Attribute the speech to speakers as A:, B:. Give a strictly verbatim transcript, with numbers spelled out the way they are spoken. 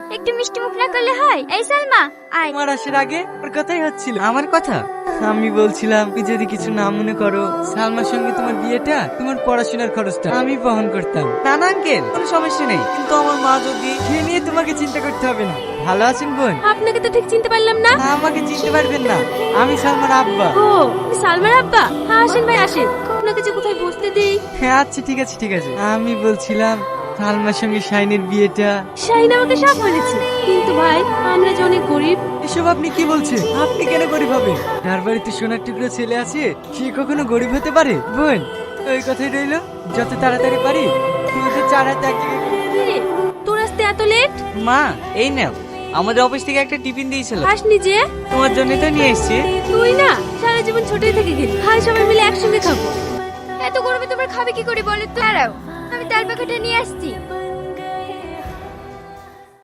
A: একটু মিষ্টি মুখ না করলে হয়? এই সালমা আয়।
B: আমার আসার আগে ওর কথাই হচ্ছিল। আমার কথা? আমি বলছিলাম তুই যদি কিছু না মনে করো, সালমার সঙ্গে তোমার বিয়েটা তোমার পড়াশোনার খরচটা আমি বহন করতাম। না না আঙ্কেল, কোনো সমস্যা নেই, কিন্তু আমার মা যদি সে নিয়ে তোমাকে চিন্তা করতে হবে না। ভালো আছেন বোন?
A: আপনাকে তো ঠিক চিনতে পারলাম না।
B: আমাকে চিনতে পারবেন না, আমি সালমার আব্বা।
A: ও তুমি সালমার আব্বা? হ্যাঁ আসেন ভাই আসেন, আপনাকে যে কোথায় বসতে দেই।
B: হ্যাঁ আচ্ছা ঠিক আছে ঠিক আছে। আমি বলছিলাম সালমার সঙ্গে শাইনের বিয়েটা।
A: শাহিন আমাকে সব বলেছে, কিন্তু ভাই আমরা যে অনেক গরিব।
B: এসব আপনি কি বলছেন? আপনি কেন গরিব হবেন? যার বাড়িতে সোনার টুকরো ছেলে আছে সে কখনো গরিব হতে পারে? বোন ওই কথাই রইলো, যত তাড়াতাড়ি পারি তুই চার হাতে এক জায়গায় করে-
A: কিরে, তোর আসতে এত লেট?
B: মা এই নাও, আমাদের অফিস থেকে একটা টিফিন দিয়েছিল,
A: আসনি যে?
B: তোমার জন্য তো নিয়ে এসেছি।
A: তুই না সারা জীবন ছোটই থেকে গেলি, হাই সবাই মিলে একসঙ্গে খাবো। এত গরমে তোমরা খাবে কি করে বলো তো? দাঁড়াও আমি তাল পাখাটা নিয়ে আসছি।